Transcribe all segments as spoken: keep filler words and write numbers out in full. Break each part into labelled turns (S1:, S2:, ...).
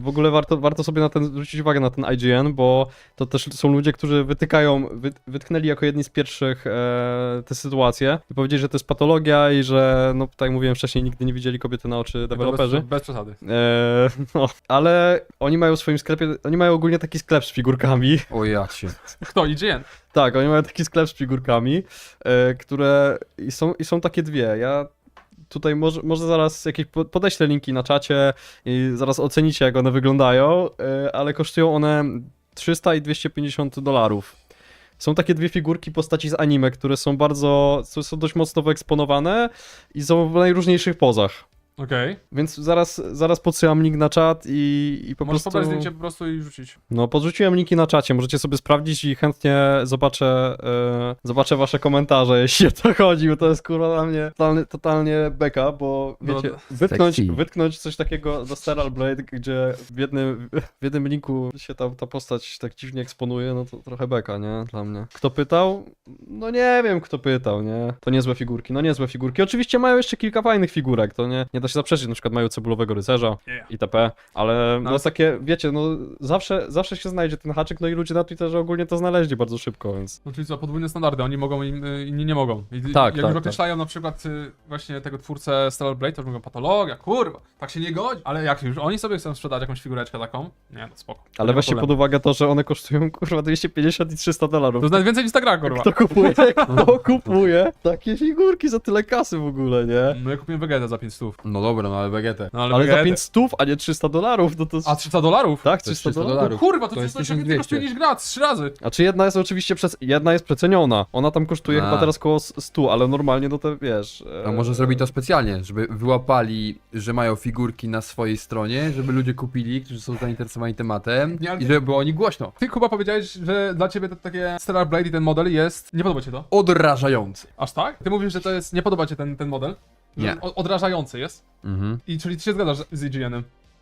S1: w ogóle warto, warto sobie na ten, zwrócić uwagę na ten I G N, bo to też są ludzie, którzy wytykają, wy, wytknęli jako jedni z pierwszych e, te sytuacje i powiedzieli, że to jest patologia i że, no tak jak mówiłem wcześniej, nigdy nie widzieli kobiety na oczy deweloperzy.
S2: Bez, bez przesady.
S1: E, no, ale oni mają w swoim sklepie, oni mają ogólnie taki sklep z figurkami.
S3: O ja cię.
S2: Kto? I G N?
S1: Tak, oni mają taki sklep z figurkami, e, które i są, i są takie dwie. Ja tutaj może, może zaraz jakieś po- podeślę linki na czacie i zaraz ocenicie, jak one wyglądają, e, ale kosztują one trzysta i dwieście pięćdziesiąt dolarów. Są takie dwie figurki postaci z anime, które są bardzo, są dość mocno wyeksponowane i są w najróżniejszych pozach.
S2: Okej.
S1: Więc zaraz, zaraz podsyłam link na czat i, i po
S2: Możesz
S1: prostu...
S2: pobrać zdjęcie po prostu i rzucić.
S1: No, podrzuciłem linki na czacie, możecie sobie sprawdzić i chętnie zobaczę, e, zobaczę wasze komentarze, jeśli o to chodzi, bo to jest kurwa dla mnie totalnie, totalnie beka, bo wiecie,
S2: No,
S1: wytknąć,
S3: sexy.
S1: wytknąć coś takiego do Steral Blade, gdzie w jednym, w jednym linku się ta, ta postać tak dziwnie eksponuje, no to trochę beka, nie? Dla mnie. Kto pytał? No nie wiem, kto pytał, nie? To niezłe figurki, no niezłe figurki. Oczywiście mają jeszcze kilka fajnych figurek, to nie, nie da się zaprzeczyć, na przykład mają cebulowego rycerza
S2: Yeah.
S1: itp., ale no
S2: ale-
S1: takie, wiecie, no zawsze, zawsze się znajdzie ten haczyk, no i ludzie na Twitterze ogólnie to znaleźli bardzo szybko, więc...
S2: No czyli co, podwójne standardy, oni mogą, im- y, inni nie mogą. I,
S1: Tak,
S2: jak
S1: tak,
S2: już określają na przykład y, właśnie tego twórcę Stellar Blade, to już mówią patologia, kurwa, tak się nie godzi. Ale jak już oni sobie chcą sprzedać jakąś figureczkę taką, nie no spoko. Nie
S1: Ale
S2: ma
S1: weźcie pod
S2: problemu.
S1: uwagę to, że one kosztują kurwa dwieście pięćdziesiąt i trzysta dolarów.
S2: To jest nawet więcej niż ta gra, kurwa.
S1: Kto kupuje, kto kupuje takie figurki za tyle kasy w ogóle, nie?
S2: No ja kupiłem Vegetę za pięć stów.
S3: No dobra, no ale Vegetę.
S2: No,
S1: Ale za
S2: Vegetę-
S1: pięć stów, a nie trzysta dolarów, no to...
S2: A trzysta dolarów?
S1: Tak,
S3: To jest
S1: trzysta
S3: trzysta
S1: dolarów.
S3: dolarów.
S2: Kurwa, to,
S3: To jest
S2: jest coś
S3: tysiąc
S2: więcej kosztuje
S3: dwieście.
S2: niż gra, trzy razy.
S1: A czy jedna jest oczywiście, przec... jedna jest przeceniona, ona tam kosztuje
S3: A.
S1: chyba teraz koło stu, ale normalnie no to wiesz...
S3: A może zrobić to specjalnie, żeby wyłapali, że mają figurki na swojej stronie, żeby ludzie kupili, którzy są zainteresowani tematem
S2: Nie, ale-
S3: i żeby było o nich głośno.
S2: Ty, Kuba, powiedziałeś, że dla ciebie to takie Stellar Blade i ten model jest... Nie podoba cię to?
S3: Odrażający.
S2: Aż tak? Ty mówisz, że to jest... Nie podoba cię ten, ten model? Że
S3: Nie.
S2: o- Odrażający jest?
S3: Mhm.
S2: I czyli ty się zgadzasz z I G N-em?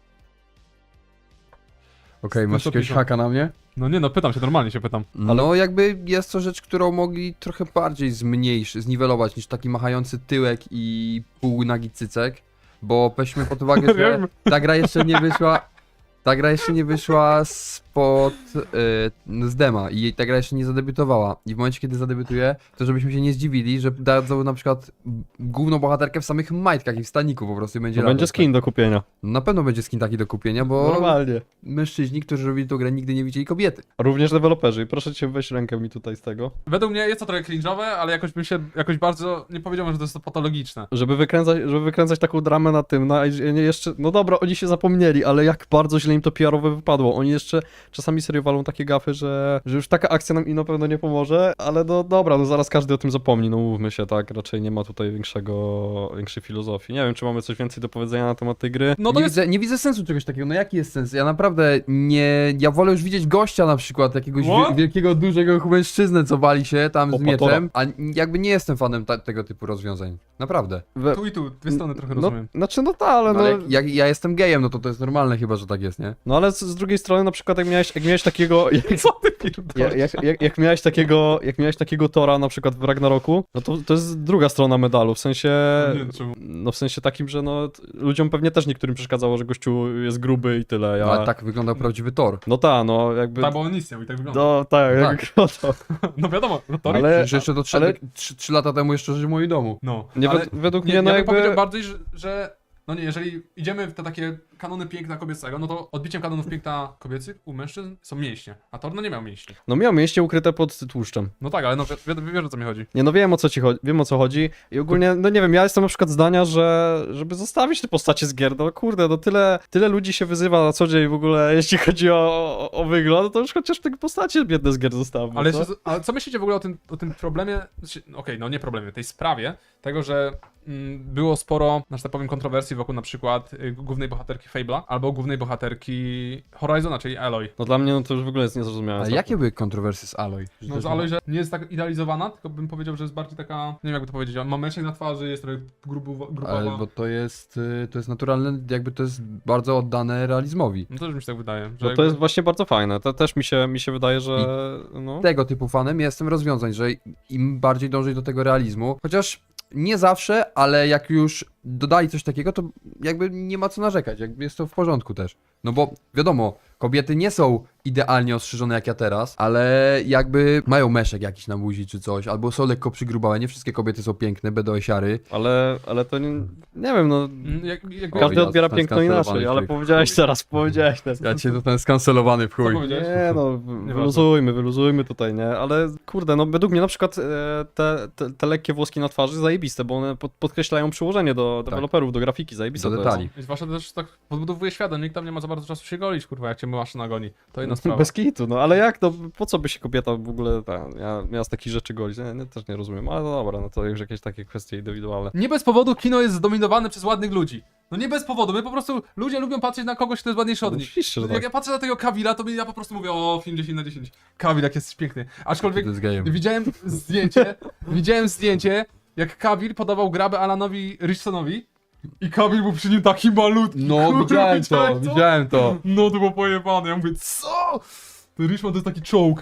S3: Okej, masz
S2: co
S3: jakiegoś
S2: piszą.
S3: haka na mnie?
S2: No nie no, pytam się, normalnie się pytam.
S3: No jakby jest to rzecz, którą mogli trochę bardziej zmniejszyć, zniwelować niż taki machający tyłek i półnagi cycek, bo weźmy pod uwagę, że
S2: Wiem.
S3: ta gra jeszcze nie wyszła, ta gra jeszcze nie wyszła spod, y, z dema i ta gra jeszcze nie zadebiutowała i w momencie, kiedy zadebiutuje, to żebyśmy się nie zdziwili, że dadzą na przykład główną bohaterkę w samych majtkach i w staniku po prostu i będzie
S1: To będzie
S3: latać,
S1: skin do kupienia.
S3: tak. No na pewno będzie skin taki do kupienia, bo
S1: Normalnie.
S3: mężczyźni, którzy robili tą grę, nigdy nie widzieli kobiety.
S1: Również deweloperzy. I proszę cię, weź rękę mi tutaj z tego.
S2: Według mnie jest to trochę cringe'owe, ale jakoś bym się, jakoś bardzo, nie powiedziałbym, że to jest to patologiczne.
S1: Żeby wykręcać, żeby wykręcać taką dramę na tym, na I G N jeszcze, no dobra, oni się zapomnieli, ale jak bardzo źle im to P R-owe wypadło. Oni jeszcze czasami serio walą takie gafy, że, że już taka akcja nam i na pewno nie pomoże, ale no dobra, no zaraz każdy o tym zapomni, no mówmy się, tak, raczej nie ma tutaj większego, większej filozofii. Nie wiem, czy mamy coś więcej do powiedzenia na temat tej gry.
S2: No to
S3: nie,
S2: jest...
S3: widzę, nie widzę sensu czegoś takiego, no jaki jest sens? Ja naprawdę nie, ja wolę już widzieć gościa na przykład, jakiegoś
S2: What?
S3: wie, wielkiego, dużego mężczyznę, co wali się tam z
S1: Opatora.
S3: mieczem, a jakby nie jestem fanem ta, tego typu rozwiązań, naprawdę.
S1: We,
S2: Tu i tu, dwie strony trochę
S1: no,
S2: rozumiem.
S1: znaczy, no tak, ale
S3: No,
S1: no...
S3: ale jak, jak ja jestem gejem, no to to jest normalne chyba, że tak jest, nie?
S1: No ale z, z drugiej strony, na przykład jak miałeś, jak miałeś takiego... Jak,
S2: Co ty pierdolisz?
S1: jak, jak, jak, jak miałeś takiego, jak miałeś takiego Tora na przykład w Ragnaroku, no to, to jest druga strona medalu, w sensie...
S2: Nie wiem czemu.
S1: No w sensie takim, że no t- ludziom pewnie też niektórym przeszkadzało, że gościu jest gruby i tyle, ja...
S3: No, ale tak wyglądał prawdziwy Thor.
S1: No ta, no jakby...
S2: Tak, bo on nic nie miał i tak wygląda.
S1: No tak,
S3: Tak.
S1: jak wygląda.
S2: No wiadomo, no to
S1: Ale-
S3: Przecież jeszcze to trzy,
S1: ale-
S3: trzy, trzy lata temu jeszcze żył w moim domu.
S2: No,
S1: Nie,
S2: ale
S1: wed- według
S2: nie,
S1: mnie no
S2: ja bym
S1: jakby...
S2: powiedział bardziej, że, że... No nie, jeżeli idziemy w te takie kanony piękna kobiecego, no to odbiciem kanonów piękna kobiecych u mężczyzn są mięśnie, a Thor no nie miał mięśni.
S1: No miał mięśnie ukryte pod tłuszczem.
S2: No tak, ale no wi wi wiesz o co mi chodzi.
S1: Nie no wiem o co ci chodzi, wiem o co chodzi i ogólnie, no nie wiem, ja jestem na przykład zdania, że żeby zostawić te postacie z gier, no kurde, no tyle, tyle ludzi się wyzywa na co dzień w ogóle, jeśli chodzi o, o, o wygląd, to już chociaż te postacie biedne z gier zostawmy,
S2: Ale,
S1: co?
S2: jeszcze, ale co myślicie w ogóle o tym, o tym problemie, znaczy, okej, no nie problemie, tej sprawie, tego, że mm, było sporo, że tak powiem, kontrowersji wokół na przykład y, głównej bohaterki Fable'a, albo głównej bohaterki Horizona, czyli Aloy.
S1: No dla mnie no to już w ogóle jest niezrozumiałe.
S3: Ale jakie były kontrowersje z Aloy? Że
S2: No
S3: też
S2: z Aloy, że nie jest tak idealizowana, tylko bym powiedział, że jest bardziej taka, nie wiem jakby to powiedzieć, ma męczek na twarzy, jest trochę grubu, grubowa.
S3: Ale bo to jest, y, to jest naturalne, jakby to jest bardzo oddane realizmowi.
S2: No też mi się tak wydaje, że
S1: No to
S2: jakby...
S1: jest właśnie bardzo fajne, to też mi się, mi się wydaje, że no...
S3: Tego typu fanem jestem rozwiązań, że im bardziej dążyć do tego realizmu, chociaż nie zawsze, ale jak już dodali coś takiego, to jakby nie ma co narzekać, jakby jest to w porządku też. No bo wiadomo, kobiety nie są idealnie ostrzyżone jak ja teraz, ale jakby mają meszek jakiś na buzi czy coś, albo są lekko przygrubałe. Nie wszystkie kobiety są piękne, bedoesiary.
S1: Ale, ale to nie, nie wiem, no...
S2: Mm, Jak, jak,
S3: O,
S1: Każdy
S3: ja
S1: odbiera
S3: zostałem
S1: piękno
S3: skancelowany
S1: inaczej,
S3: w
S1: ale
S3: chuj.
S1: powiedziałeś teraz, powiedziałeś teraz.
S3: Ja cię zostałem skancelowany w
S2: Co
S3: chuj.
S2: powiedziałeś?
S1: Nie no, w- wyluzujmy, wyluzujmy tutaj, nie? Ale kurde, no według mnie na przykład e, te, te, te lekkie włoski na twarzy zajebiste, bo one pod, podkreślają przyłożenie do deweloperów, do grafiki, zajebiste
S3: Do
S1: to
S3: detali.
S2: I zwłaszcza też tak podbudowuje świat, nikt tam nie ma za bardzo czasu się golić, kurwa, jak cię maszyna goni. To inna
S1: jest.
S2: sprawa.
S1: Bez kitu, no ale jak to, po co by się kobieta w ogóle, ta, ja, miała z takich rzeczy golić? Nie, nie, też nie rozumiem, ale no dobra, no to już jakieś takie kwestie indywidualne.
S2: Nie bez powodu kino jest zdominowane przez ładnych ludzi. No nie bez powodu, my po prostu, ludzie lubią patrzeć na kogoś, kto jest ładniejszy od
S1: No
S2: nich.
S1: oczywiście, że
S2: Jak
S1: tak.
S2: ja patrzę na tego Kawila, to ja po prostu mówię, o, film dziesięć na dziesięć. Kawil, jak jest piękny. Aczkolwiek
S3: To jest gejem.
S2: widziałem zdjęcie, widziałem zdjęcie, jak Kawil podawał grabę Alanowi Richsonowi i Kawil był przy nim taki malutki.
S3: No,
S2: kurwa,
S3: widziałem to,
S2: widziałeś
S3: widziałem to.
S2: No to było pojebane, ja mówię, co? Ten Richmond to jest taki czołg.